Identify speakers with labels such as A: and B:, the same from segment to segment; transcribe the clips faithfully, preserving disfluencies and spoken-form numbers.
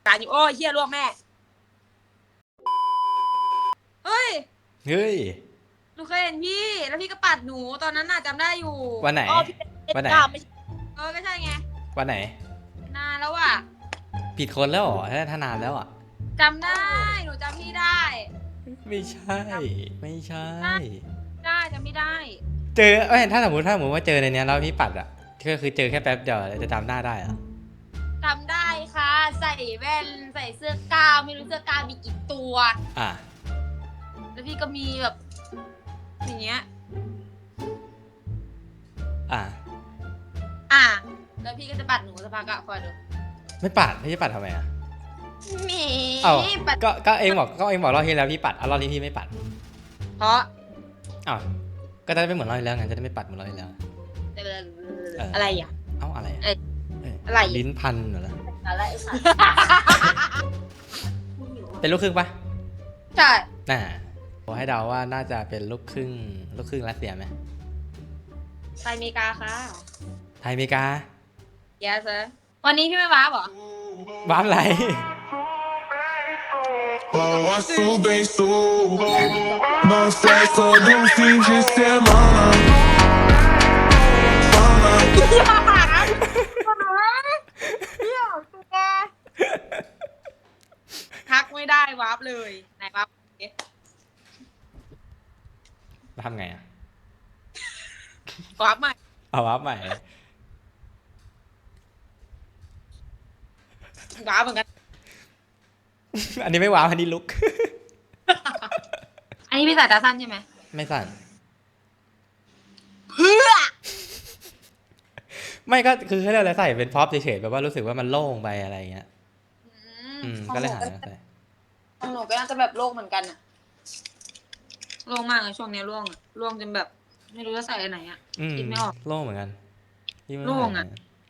A: การอยู่โอ้ยเฮียลวกแม่เฮ้ย
B: เฮ้ย
A: หนูเคยเห็นพี่แล้วพี่ก็ปัดหนูตอนนั้นน่ะจำได้อยู่
B: วันไหน
A: อ๋อพี่เป็น
B: วันไหน
A: เก้าไม่ใช่เออก็ใช่ไง
B: วันไหน
A: นานแล้วอ่ะ
B: ผิดคนแล้วเหรอถ้านานแล้วอ่ะ
A: จำได้หนูจำพี่ได้
B: ไม่ใช่ไม่ใช่
A: ได้จำไม่ได้
B: เจอเอ้ยถ้าสมมติถ้าสมมติว่าเจอในเนี้ยแล้วพี่ปัดอ่ะก็คือเจอแค่แป๊บเดียวจะจำหน้าได้อ่ะ
A: จำได้ค่ะใส่แว่นใส่เสื้อกาวไม่รู้เสื้อกาวมีกี่ตัว
B: อ่ะ
A: แล้วพี่ก็มีแบบอย่างเงี้ย
B: อ่ะ
A: อ่ะแล้วพี่ก็จะปัดหนูสักพักอะคอยดู
B: ไม่ปัดพี่จะปัดทำไมอ่ะ
A: หมี
B: เอ้า
A: ปัด
B: ก็ก็เองบอกก็เองบอกรอบที่แล้วพี่ปัดอ่ะรอบนี้พี่ไม่ปัด
A: เพราะ
B: อ้าวก็จะได้ไม่เหมือนรอบที่แล้วไงจะได้ไม่ปัดเหมือนรอบที่แล้ว
A: อะไรอ่ะ
B: เอ้าอะไร
A: เอ้ยอะไร
B: ลิ้นพันเหรอ
A: อะไรค่ะ
B: เป็นลูกครึ่งปะ
A: ใช่
B: น่าขอให้เดาว่าน่าจะเป็นลูกครึ่งลูกครึ่งรัสเซียไหม
A: ไปอเมริกาค่ะ
B: ไทยอเมริกา
A: yes sir วันนี้พี่ไม่ว้าบเหรอ
B: บ้านไร
C: Passo bem sou Não sei todo fim de semana Fala
A: ทักไม่ได้วาร์ปเลยไหนวาร์ป
B: ทำไงอ่ะ
A: วาร์ปใหม่
B: เอาวับใหม่
A: วาร์ปเหมือนกัน
B: อันนี้ไม่ว้าวอันนี้ลุก
A: อันนี้พี่ใส่ตาสั้นใช่ไหม
B: ไม่สั่น
A: เพื่อ
B: ไม่ก็คือให้เราใส่เป็นพ็อปเฉยๆแบบว่ารู้สึกว่ามันโล่งไปอะไรเงี้ย อืมก็เลยหาใส่
A: ของหนูก็น่าจะแบบโล่งเหมือนกันอะโล่งมากเลยช่วงนี้โล่งอะโล่งจนแบบ ไม่รู้จะใส่อันไหนอะ
B: อืม
A: คิดไม่ออก
B: โล่งเหมือนกัน
A: โล่งอะ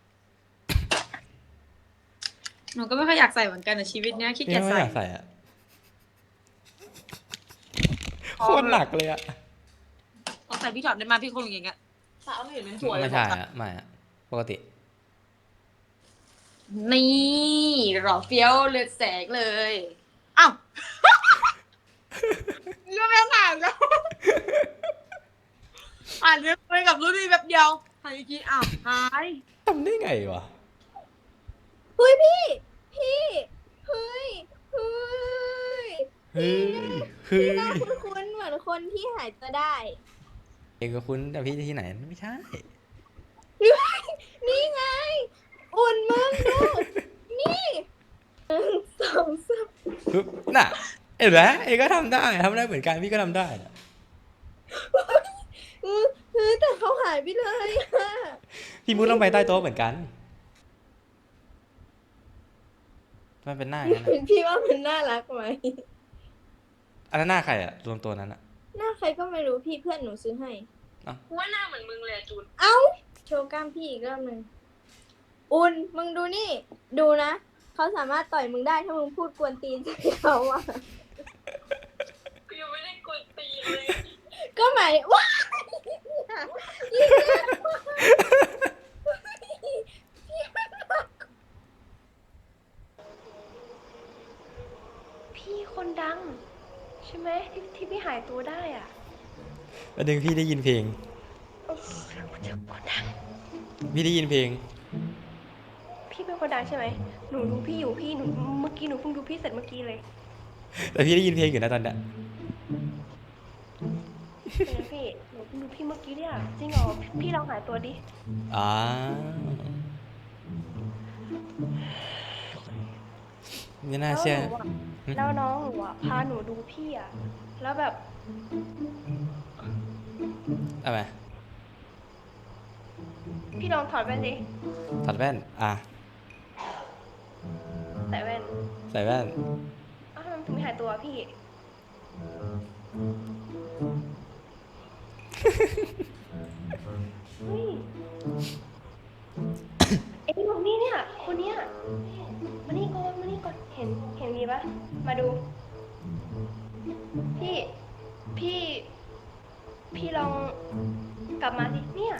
A: หนูก็ไม่ค่อยอยากใส่เหมือนกันในชีวิตเนี้ยขี้
B: พี่
A: เกียจ
B: ไม่
A: ใส่
B: อยากใส่อ่ะโคตรหนักเลยอ่ะ
A: ต้องใส่พี่ถอดได้มาพี่คงอย่างเงี้ยสาวไม่เห็นเป็นสวย
B: ไม่ใช่อ่ะไม่อ่ะปกติ
A: นี่หล่อเฟี้ยวเลือดแสงเลยอ้าว เรื่องแม่งผ่านแล้วอ่านเรื่องไปกับรุ่นนี้แบบเดียวหายกี้อ้าวหาย
B: ทำได้ไงวะ
D: เฮ้ยพี่ พี่ เฮ้ย เฮ้ย
B: เฮ้ยเฮ้
D: พี่หน้าย คุ้นๆเหมือนคนที่หายตัวได้
B: เองก็คุ้นแต่พี่ที่ไหนไม่ใช่
D: นี่ไง อุ่นมึงดูนี่หนึ่งสองสาม
B: ปึ๊บน่ะเห็นไหมเองก็ทำได้ทำได้เหมือนกันพี่ก็ทำได้น่ะ
D: เออเฮ้ยแต่เขาหายไปเลยอะ
B: พี่มุดลงไปใต้โต๊ะเหมือนกันมันเป็นหน้าอย่างนั้นอะ
D: พี่ว่ามันน่ารักไหม
B: อันนั้นหน้าใครอะรวมตัวนั้นอะ
D: หน้าใครก็ไม่รู้พี่เพื่อนหนูซื้อให้
A: กูว่าหน้าเหมือนมึงเลยจูน
D: เอ้า โชว์กล้ามพี่อีกรอบหนึ่งอุ่นมึงดูนี่ ดูนะ เขาสามารถต่อยมึงได้ถ้ามึงพูดกวนตีนใส่เขาอะ
A: กูยังไม่ได้กดตีเลย
D: ก็หมายว้ายิงเลยพี่มันหนัก
E: พี่คนดัง ใช่ไหมที่ที่พี่หายตัวได้อ่ะ
B: วันหนึ่งพี่ได้ยินเพลง
E: เออคนดัง
B: พี่ได้ยินเพลง
E: พี่เป็นคนดังใช่ไหมหนูดูพี่อยู่พี่หนูเมื่อกี้หนูเพิ่งดูพี่เสร็จเมื่อกี้เลย
B: แต่พี่ได้ยินเพลงอยู่นะตอนเนี้ย
E: เป็นไงพี่หนูเพิ่งดูพี่เมื่อกี้เนี่ยจริงเหรอพี่ลองหายตัวดิ
B: อ๋อไม่น่าเชื่อ
E: แล้วน้องหนูอ่ะพาหนูดูพี่อ่ะแล้วแบบ
B: เอาไหม
E: พี่ลองถอดแว่นดิ
B: ถอดแว่นอ่ะ
E: ใส่แว่น
B: ใส่แว่น
E: อ้าวทำไมถึงไม่หายตัวพี่เฮ้ยไอ้คนนี้เนี่ยคนเนี้ยมานี่ก่อนมานี่ก่อนเห็นเห็นมีปะมาดู พี่พี่ พี่ลองกลับมาสิเนี่ย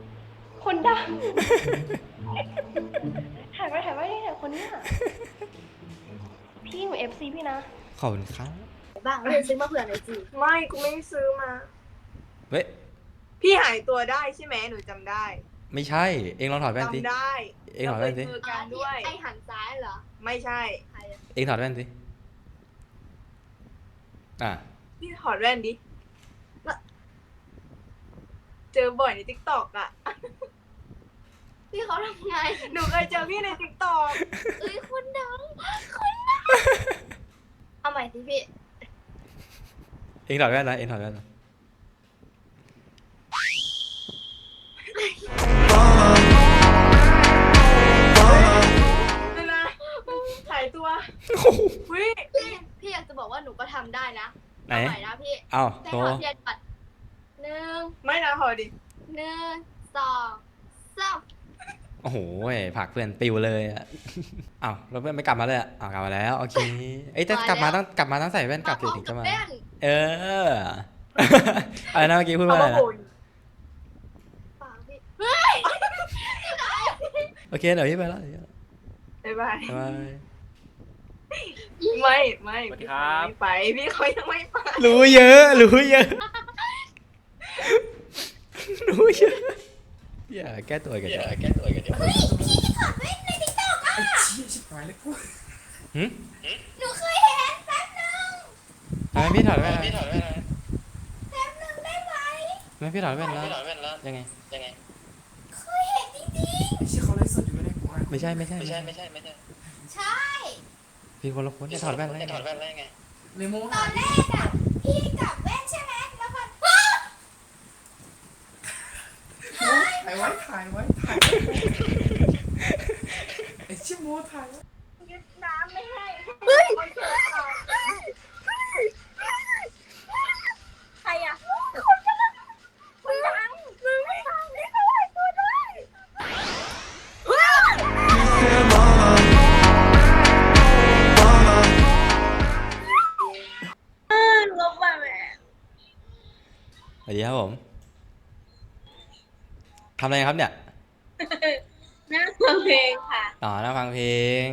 E: คนดังถ่ายไว้ถ่ายไว้เนี่ยคนเนี้ยพี่หนูเอฟซีพี่นะ
B: ขอบคุณครับ
D: บ้างเลยซื้อมาเผื่อหน่อยสิ
F: ไม่กูไม่ได้ซื้อมา
B: เว้ย
F: พี่หายตัวได้ใช่ไหมหนูจำได้
B: ไม่ใช่ เองลองถอดแว่นสิ
F: จำได้
B: เองถอดแว่นสิ
F: ราคยเจอกันด้วย
D: ไอหันซ้ายเหรอ
F: ไม่ใช่
D: ใครอะ
B: เองถอดแว่นสิอ่ะ
F: พี่ถอดแว่นดิแล้วเจอบ่อยในทิกตอกอ่ะ
D: พี่เขาทำไง
F: หนูเคยเจอพี่ในทิกตอก
D: เอ้ยคนดังคนดังเอาใหม่สิพี่
B: เองถอดแว่นนะเองถอดแว่นนะ
F: นี่นะหายตัววิ
D: พี่พี่อยากจะบอกว่าหนูก็ทำได้นะ
B: ไหน
D: เอาใหม่นะพี่
B: เอ้า
D: ให้
B: โต
D: ถอดเทียนก่อนหนึ่ง
F: ไม่นะพอดิ
D: หนึ่งสองสาม
B: โอ้โหผลักเพื่อนปิวเลยอ่ะ เอ้าแล้วเพื่อนไม่กลับมาเลยอ่ะอ้าวกลับมาแล้วโอเคเอ้ยจะกลับมาต้องกลับมาต้องใส่แว่นกลับสิถึงจะมา
D: แว่น
B: เออ อะไรนะเมื่อกี้พูด
F: เอา
B: ว่าอะไร
F: มา
B: นะ
F: โหย
D: ปากพี่
B: โอเคเดี๋ยวพี่ไปแล้วเดี๋ยว
F: บ๊ายบาย
B: บ๊ายบาย
F: ไม่ไม่
B: สวัสดีครับ
F: พี่ไปพี่เขายังไม่ไป
B: รู้เยอะรู้เยอะรู้เยอะอย่าแก้ตัวกันอย่าแก้ตัวกันเดี๋ยวหืม
D: หนูเคยเห็นแป๊บนึง
B: ทำไมพี่ถอดแว่นพี่ถอดแว่น
D: แป๊บนึงได้ไหม
B: ทำไมพี่ถอดแว่นแล้วยังไงยังไง
D: เคยเห็นจริง
B: ไม่ใช่ไม่ใช่ไม่ใช่ไม่ใช่
D: ๆใช่
B: พี่คนละคนจะถอดแว่นแล้วถอดแว่นแล้วยังไง
D: ตอนแรกอะพี่กลับแว่นใช่ไหมแล้วก็
G: ถ่ายไว้ถ่ายไว้ถ่ายไอ้ชิโมถ่ายไว้
F: ยึดน้ำไม่ให้
D: เฮ้ยใครอะคนดังคนดังมึงไม่ทำนี่เขาหายตัวได้ ลบมาแม่
B: สวัสดีครับผมทำอะไรครับเนี่ย
D: นั่งฟังเพลงค่ะ
B: อ๋อนั่งฟังเพลง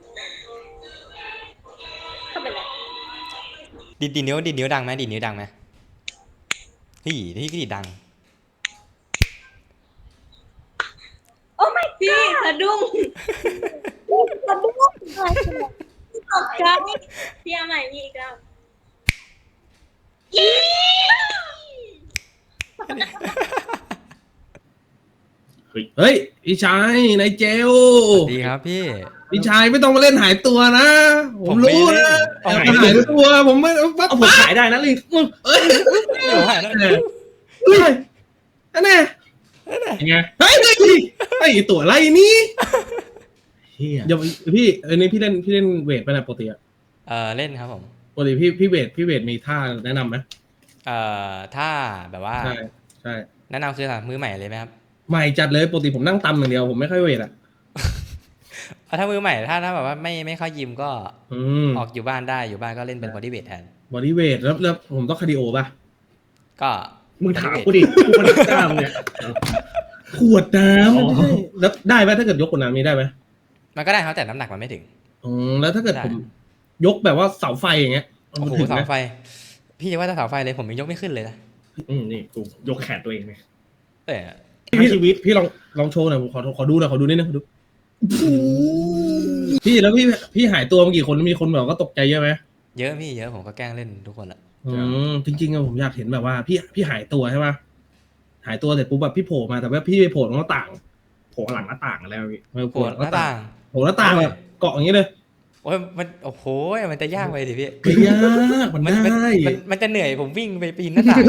D: เข้าไปเลย
B: ดีดดีดนิ้วดีดนิ้วดังไหมดีดนิ้วดังไหมพี่ที่ก็ดีดดัง
D: โอ้ไม่พี่สะดุ้งสะดุ้งตกใจพี่เอาใหม่พี่อีกแล้วอี
G: เฮ้ยพี่ชายนายเจล
B: ดีครับพี่
G: พี่ชายไม่ต้องมาเล่นหายตัวนะ ผมรู้นะ
B: ผม
G: หา
B: ไม่เล่น
G: ยตัวผมไม่เอาผมขายได้นะลิเอ้ย
B: เดี๋ยวหายแล้ว
G: เฮ้ยอันนี้ยังไงเฮ้ยเฮ้ยไอ้ตัวอะไรนี่เดี๋ยวพี่เอ้ยนี่พี่เล่นพี่เล่นเวทไปนะปกติอะ
B: เออเล่นครับผม
G: ปกติพี่พี่เวทพี่เวทมีท่าแนะนำไหม
B: เอ่อถ้าแบบว่า
G: ใช่ใช่
B: แนะนำคือสำหรับมือใหม่เลยไหมครับ
G: ใหม่จัดเลยปกติผมนั่งตำอย่างเดียวผมไม่ค่อยเวทอะ
B: เอาถ้ามือใหม่ถ้าถ้าแบบว่าไม่ไม่เข้ายิมก็
G: อืม
B: ออกอยู่บ้านได้อยู่บ้านก็เล่นเป็นบอดี้เวทแทน
G: บอดี้เวทแล้วแล้วผมต้องคาร์ดิโอป่ะ
B: ก็
G: มึงถามกูดิกูมันกล้ามเนี่ยขวดน้ำไม่ใช่แล้วได้ไหมถ้าเกิดยกขวดน้ำนี้ได้ไหม
B: มันก็ได้ครับแต่น้ำหนักมันไม่ถึง
G: อืมแล้วถ้าเกิด
B: ได้
G: ผมยกแบบว่าเสาไฟอย่างเงี้ย
B: โอ้โห
G: มันถึง
B: เสา
G: ไหม
B: ไฟ พี่จะว่าถ้าเสาไฟเลยผมยังยกไม่ขึ้นเลยนะ
G: อืมนี่กูยกแขนตัวเองไง
B: เออ
G: พี่ชีวิตพี่ลองลองโชว์หน่อยผมขอขอดูหน่อยขอดูนิดนึงขอดูพี่แล้วพี่พี่หายตัวมากี่คนมีคนแบบก็ตกใจเยอะไหม
B: เยอะพี่เยอะผมก็แกล้งเล่นทุกคนละ
G: อืมจริงๆอะผมอยากเห็นแบบว่า พี่พี่หายตัวใช่ป่ะหายตัวเสร็จปุ๊บแบบพี่โผล่มาแต่ว่าพี่ไปโผล่ตรงหน้าต่างโผล่หลังหน้าต่างแล้วพี่
B: โผล่หน้าต่าง
G: โผล่หน้าต่างแบบเกาะอย่างนี้เลย
B: โอ้ยมันโอ้โหมันจะยากไปดิพี่
G: ไม่ยากมัน
B: มันมัน
G: ได้
B: มันมันจะเหนื่อยผมวิ่งไปปีนหน้าต่าง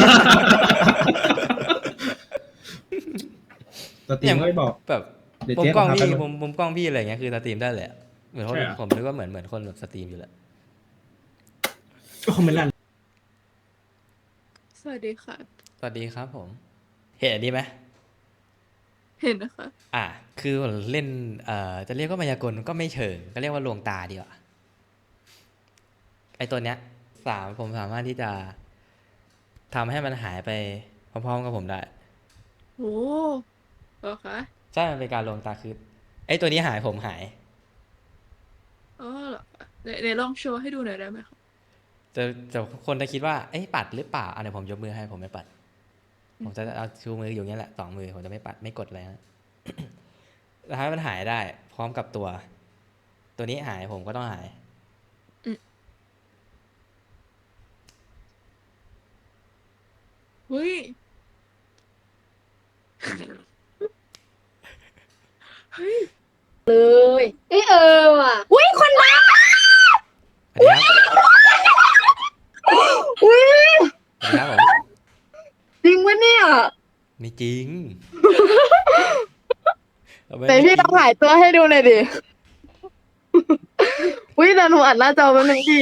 G: สตรีมไม่บอก
B: แบบ
G: เดี๋ยว
B: มุม
G: เจ๊
B: กล้อง
G: พาไป
B: พี่
G: หน่อย
B: มุมมุมกล้องพี่อะไรเงี้ยคือสตรีมได้เลยอะเหมือนคน
G: ใช่เหรอ
B: ผมนึกว่าเหมือนเหมือนคนแบบสตรีมอยู่แหละ
G: ก็คอมเมนต์ลั่น
H: สวัสดีค่ะ
B: สวัสดีครับผม เห็นอันนี้ไหม
H: เห็นนะคะ
B: อ่ะคือเล่นเอ่อจะเรียกว่ามายากลก็ไม่เชิงก็เรียกว่าลวงตาดีกว่าไอตัวเนี้ยสามผมสามารถที่จะทำให้มันหายไปพร้อมๆกับผมได้
H: โอ้เหรอคะ
B: ใช่มันเป็นการลวงตาคือไอตัวนี้หายผมหาย
H: อ๋อเหรอคะไหนเดี๋ยวเดี๋ยวลองโชว์ให้ดูหน่อยได้ไหมคะ
B: จะจะคนจะคิดว่าเอ้ยปัดหรือเปล่าอันเดี๋ยวผมยกมือให้ผมไม่ปัด ผมจะเอาชูมืออยู่อย่างนี้ยแหละสองมือผมจะไม่ปัดไม่กดเลยนะ แล้วให้มันหายได้ พร้อมกับตัว ตัวนี้หายผมก็ต้องหาย
H: เฮ้ย เฮ้ย
D: เลยเอ้ยเออว่ะอุ้ยคนรัก
B: สวัสดีครับสวัสดีครับผม
I: จริงปะเนี่ย
B: ไม่จริง
I: แต่พี่ต้องหายตัวให้ดูหน่อยดิ อุ้ยแต่หนูอัดหน้าจอแป๊บนึงพี่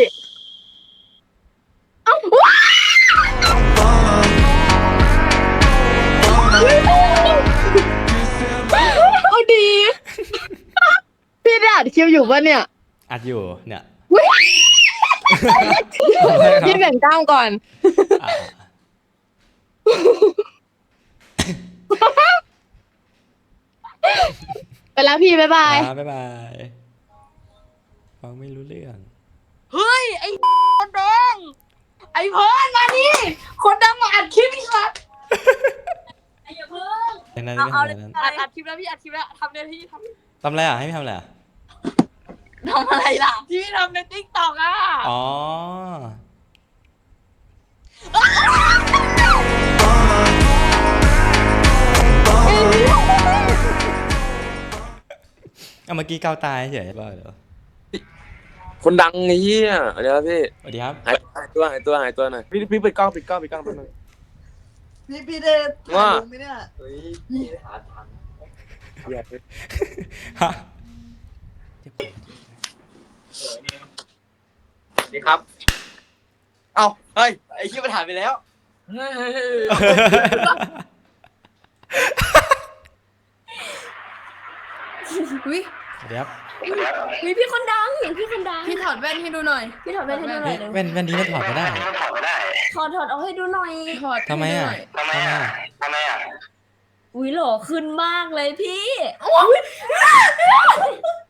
I: เอ้าว้าวเอาดี พี่ได้อัดคลิปอยู่ปะเนี่ย
B: อัดอยู่เนี่ย
I: พี่แบ่งกล้ามก่อน
B: อ่ะ
I: ไปแล้วพี่บ๊ายบาย
B: อ่ะบ๊ายบายฟังไม่รู้เรื่อง
F: เฮ้ย ไอ้คนดังไอ้เพิร์นมานี่คนดังมาอัดคลิปอีกแล้ว
B: ในนั้น
F: เอา
B: ไม่
F: เอา
B: ทำ
F: เล
B: อะไร
F: ย
B: นั้น
F: อัดอัดคลิปแล้วพี่อัดคลิปแล้วทำเดี๋ยวที่ทำ
B: ทำอะไรอ่ะให้พี่ทำอะไรอ่ะ
F: ทำอะไรล่ะที่ทำในติ๊กต็อกอ่ะ
B: อ๋อ เอาเมื่อกี้เกาตายเฉยๆป่ะเดี๋ยว
J: คนดังไอ้เหี้ยเดี๋ยวพี่
B: สวัสดีครับ
J: หายหายตัวหายตัวหายตัวหน่อยพี่พี่ปิดกล้องปิดกล้องปิดกล้องแป๊บนึง
F: พี่พี่ได้
J: ว่า
F: ลงไหมเนี่ย
B: ฮะ
J: สวัสดีครับ เอ้าเฮ้ยไอ้เหี้ยมันหายไปแล้ว
D: อุ้ย
B: สวัสดีครับ
D: มีพี่คนดังพี่คนดัง
F: พี่ถอดแว่นให้ดูหน่อย
D: พี่ถอดแว่นให้ดูหน่
B: เฮ้
D: อย ยเร็ว
B: แว่นแว่นนี้มันถอดไม่ได้
D: ถอดถอดเอาให้ดูหน่อย
F: ถอด
B: ทำไมอ่ะทำไมอ่ะ
D: อุ้ยหล่อขึ้นมากเลยพี่